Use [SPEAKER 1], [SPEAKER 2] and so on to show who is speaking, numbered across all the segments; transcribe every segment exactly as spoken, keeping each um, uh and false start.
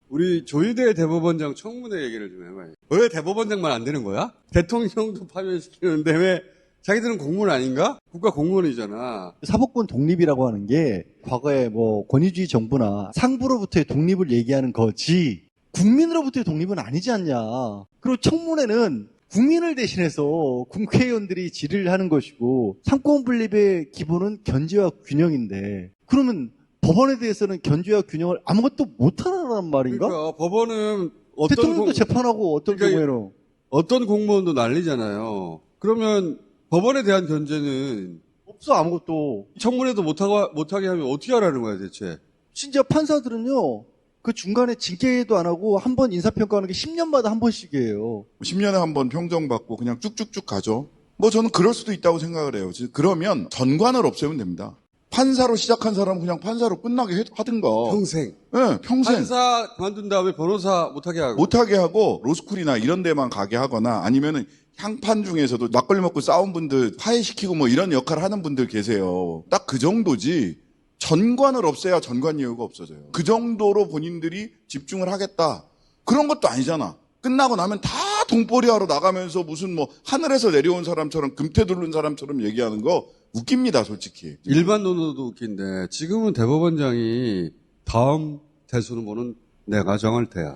[SPEAKER 1] 우리 조희대 대법원장 청문회 얘기를 좀 해봐요. 왜 대법원장만 안 되는 거야? 대통령도 파면시키는데 왜 자기들은 공무원 아닌가? 국가 공무원이잖아.
[SPEAKER 2] 사법권 독립이라고 하는 게 과거에 뭐 권위주의 정부나 상부로부터의 독립을 얘기하는 거지 국민으로부터의 독립은 아니지 않냐. 그리고 청문회는 국민을 대신해서 국회의원들이 질의를 하는 것이고 상권 분립의 기본은 견제와 균형인데 그러면 법원에 대해서는 견제와 균형을 아무것도 못하라는 말인가?
[SPEAKER 1] 그러니까 법원은 어떤
[SPEAKER 2] 대통령도
[SPEAKER 1] 공...
[SPEAKER 2] 재판하고 어떤
[SPEAKER 1] 그러니까
[SPEAKER 2] 경우에는
[SPEAKER 1] 어떤 공무원도 난리잖아요. 그러면 법원에 대한 견제는
[SPEAKER 2] 없어 아무것도.
[SPEAKER 1] 청문회도 못하고, 못하게 하면 어떻게 하라는 거야 대체?
[SPEAKER 2] 진짜 판사들은요 그 중간에 징계도 안 하고 한 번 인사평가하는 게 십 년마다 한 번씩이에요.
[SPEAKER 3] 십 년에 한 번 평정받고 그냥 쭉쭉쭉 가죠. 뭐 저는 그럴 수도 있다고 생각을 해요. 그러면 전관을 없애면 됩니다. 판사로 시작한 사람은 그냥 판사로 끝나게 하든가.
[SPEAKER 1] 평생.
[SPEAKER 3] 네, 평생.
[SPEAKER 1] 판사 그만둔 다음에 변호사 못하게 하고.
[SPEAKER 3] 못하게 하고 로스쿨이나 이런 데만 가게 하거나 아니면은 향판 중에서도 막걸리 먹고 싸운 분들 화해시키고 뭐 이런 역할을 하는 분들 계세요. 딱 그 정도지. 전관을 없애야 전관 이유가 없어져요. 그 정도로 본인들이 집중을 하겠다. 그런 것도 아니잖아. 끝나고 나면 다 돈벌이하러 나가면서 무슨 뭐 하늘에서 내려온 사람처럼 금태 두른 사람처럼 얘기하는 거 웃깁니다, 솔직히.
[SPEAKER 1] 일반 논어도 웃긴데 지금은 대법원장이 다음 대수는 뭐는 내가 정할 테야.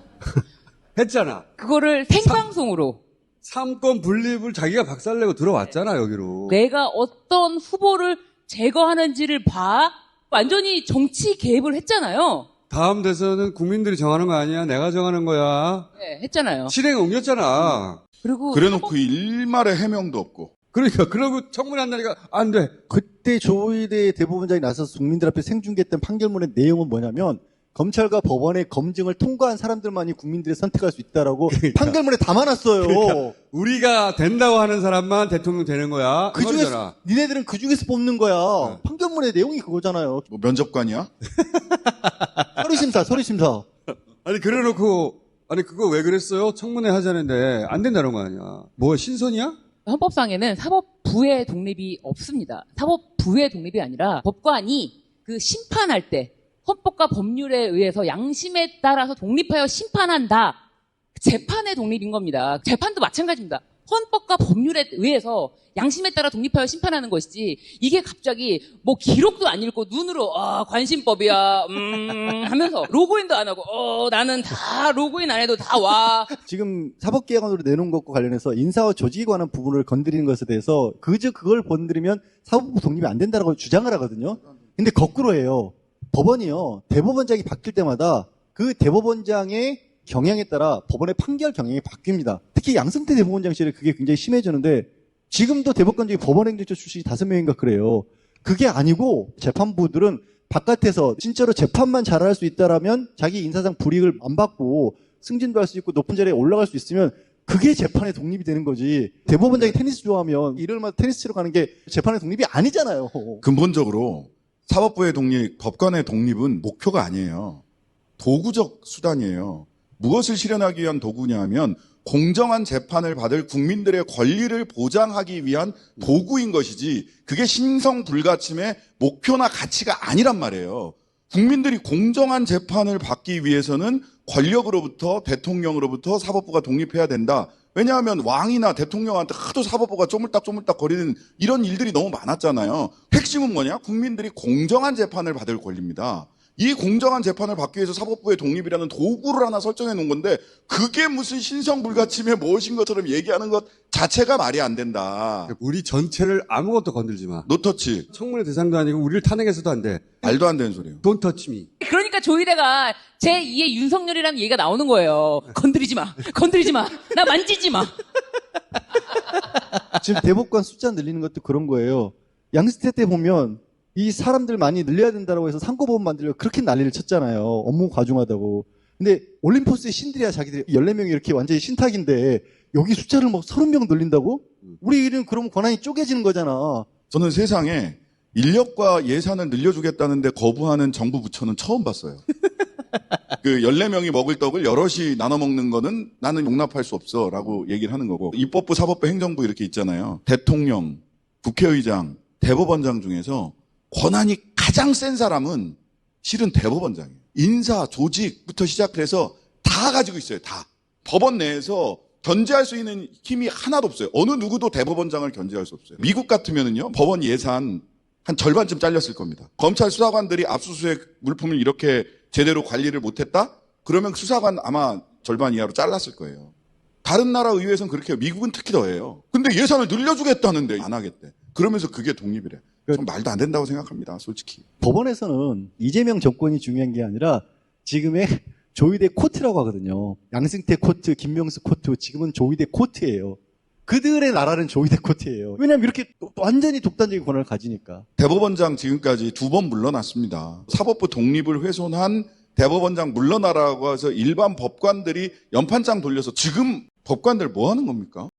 [SPEAKER 1] 했잖아.
[SPEAKER 4] 그거를 생방송으로.
[SPEAKER 1] 삼권 분립을 자기가 박살내고 들어왔잖아, 여기로.
[SPEAKER 4] 내가 어떤 후보를 제거하는지를 봐. 완전히 정치 개입을 했잖아요.
[SPEAKER 1] 다음 대선은 국민들이 정하는 거 아니야? 내가 정하는 거야.
[SPEAKER 4] 네, 했잖아요.
[SPEAKER 1] 실행에 옮겼잖아.
[SPEAKER 4] 그리고
[SPEAKER 3] 그래놓고 일말의 해명도 없고.
[SPEAKER 1] 그러니까 그러고 청문회 한다니까 안 돼.
[SPEAKER 2] 그때 조희대 대법원장이 나서서 국민들 앞에 생중계했던 판결문의 내용은 뭐냐면 검찰과 법원의 검증을 통과한 사람들만이 국민들이 선택할 수 있다라고
[SPEAKER 1] 그러니까.
[SPEAKER 2] 판결문에 담아놨어요.
[SPEAKER 1] 그러니까 우리가 된다고 하는 사람만 대통령 되는 거야.
[SPEAKER 2] 그 중에서 니네들은 그 중에서 뽑는 거야.
[SPEAKER 1] 네.
[SPEAKER 2] 판결문의 내용이 그거잖아요.
[SPEAKER 3] 뭐 면접관이야?
[SPEAKER 2] 서류심사, 서류심사.
[SPEAKER 1] 아니 그래놓고 아니 그거 왜 그랬어요? 청문회 하자는데 안 된다는 거 아니야. 뭐 신선이야?
[SPEAKER 4] 헌법상에는 사법부의 독립이 없습니다. 사법부의 독립이 아니라 법관이 그 심판할 때 헌법과 법률에 의해서 양심에 따라서 독립하여 심판한다. 재판의 독립인 겁니다. 재판도 마찬가지입니다. 헌법과 법률에 의해서 양심에 따라 독립하여 심판하는 것이지 이게 갑자기 뭐 기록도 안 읽고 눈으로 아 관심법이야 음 하면서 로그인도 안 하고 어 나는 다 로그인 안 해도 다 와.
[SPEAKER 2] 지금 사법개혁안으로 내놓은 것과 관련해서 인사와 조직에 관한 부분을 건드리는 것에 대해서 그저 그걸 건드리면 사법부 독립이 안 된다고 주장을 하거든요. 근데 거꾸로 해요. 법원이요. 대법원장이 바뀔 때마다 그 대법원장의 경향에 따라 법원의 판결 경향이 바뀝니다. 특히 양승태 대법원장 시절에 그게 굉장히 심해졌는데 지금도 대법관 중에 법원행정처 출신이 다섯 명인가 그래요. 그게 아니고 재판부들은 바깥에서 진짜로 재판만 잘할 수 있다라면 자기 인사상 불이익을 안 받고 승진도 할 수 있고 높은 자리에 올라갈 수 있으면 그게 재판의 독립이 되는 거지. 대법원장이 테니스 좋아하면 일요일마다 테니스 치러 가는 게 재판의 독립이 아니잖아요.
[SPEAKER 3] 근본적으로 사법부의 독립, 법관의 독립은 목표가 아니에요. 도구적 수단이에요. 무엇을 실현하기 위한 도구냐 하면 공정한 재판을 받을 국민들의 권리를 보장하기 위한 도구인 것이지 그게 신성불가침의 목표나 가치가 아니란 말이에요. 국민들이 공정한 재판을 받기 위해서는 권력으로부터 대통령으로부터 사법부가 독립해야 된다. 왜냐하면 왕이나 대통령한테 하도 사법부가 쪼물딱쪼물딱 거리는 이런 일들이 너무 많았잖아요. 핵심은 뭐냐? 국민들이 공정한 재판을 받을 권리입니다. 이 공정한 재판을 받기 위해서 사법부의 독립이라는 도구를 하나 설정해 놓은 건데 그게 무슨 신성불가침의 무엇인 것처럼 얘기하는 것 자체가 말이 안 된다.
[SPEAKER 1] 우리 전체를 아무것도 건들지 마.
[SPEAKER 3] 노터치.
[SPEAKER 1] 청문회 대상도 아니고 우리를 탄핵해서도 안 돼.
[SPEAKER 3] 말도 안 되는 소리예요.
[SPEAKER 1] Don't touch me.
[SPEAKER 4] 그러니까 조희대가 제이의 윤석열이라는 얘기가 나오는 거예요. 건드리지 마. 건드리지 마. 나 만지지 마.
[SPEAKER 2] 지금 대법관 숫자 늘리는 것도 그런 거예요. 양승태 때 보면 이 사람들 많이 늘려야 된다고 해서 상고법원 만들려고 그렇게 난리를 쳤잖아요. 업무 과중하다고. 근데 올림포스의 신들이야 자기들이 열네 명이 이렇게 완전히 신탁인데 여기 숫자를 뭐 서른 명 늘린다고? 우리는 그럼 권한이 쪼개지는 거잖아.
[SPEAKER 3] 저는 세상에 인력과 예산을 늘려주겠다는데 거부하는 정부 부처는 처음 봤어요. 그 열네 명이 먹을 떡을 여럿이 나눠 먹는 거는 나는 용납할 수 없어 라고 얘기를 하는 거고 입법부, 사법부, 행정부 이렇게 있잖아요. 대통령, 국회의장, 대법원장 중에서 권한이 가장 센 사람은 실은 대법원장이에요. 인사, 조직부터 시작해서 다 가지고 있어요. 다. 법원 내에서 견제할 수 있는 힘이 하나도 없어요. 어느 누구도 대법원장을 견제할 수 없어요. 미국 같으면은요, 법원 예산 한 절반쯤 잘렸을 겁니다. 검찰 수사관들이 압수수색 물품을 이렇게 제대로 관리를 못했다? 그러면 수사관 아마 절반 이하로 잘랐을 거예요. 다른 나라 의회에서는 그렇게 해요. 미국은 특히 더해요. 근데 예산을 늘려주겠다는데 안 하겠대. 그러면서 그게 독립이래. 전 말도 안 된다고 생각합니다. 솔직히.
[SPEAKER 2] 법원에서는 이재명 정권이 중요한 게 아니라 지금의 조이대 코트라고 하거든요. 양승태 코트, 김명수 코트, 지금은 조이대 코트예요. 그들의 나라는 조이대 코트예요. 왜냐하면 이렇게 완전히 독단적인 권한을 가지니까.
[SPEAKER 3] 대법원장 지금까지 두 번 물러났습니다. 사법부 독립을 훼손한 대법원장 물러나라고 해서 일반 법관들이 연판장 돌려서 지금 법관들 뭐 하는 겁니까?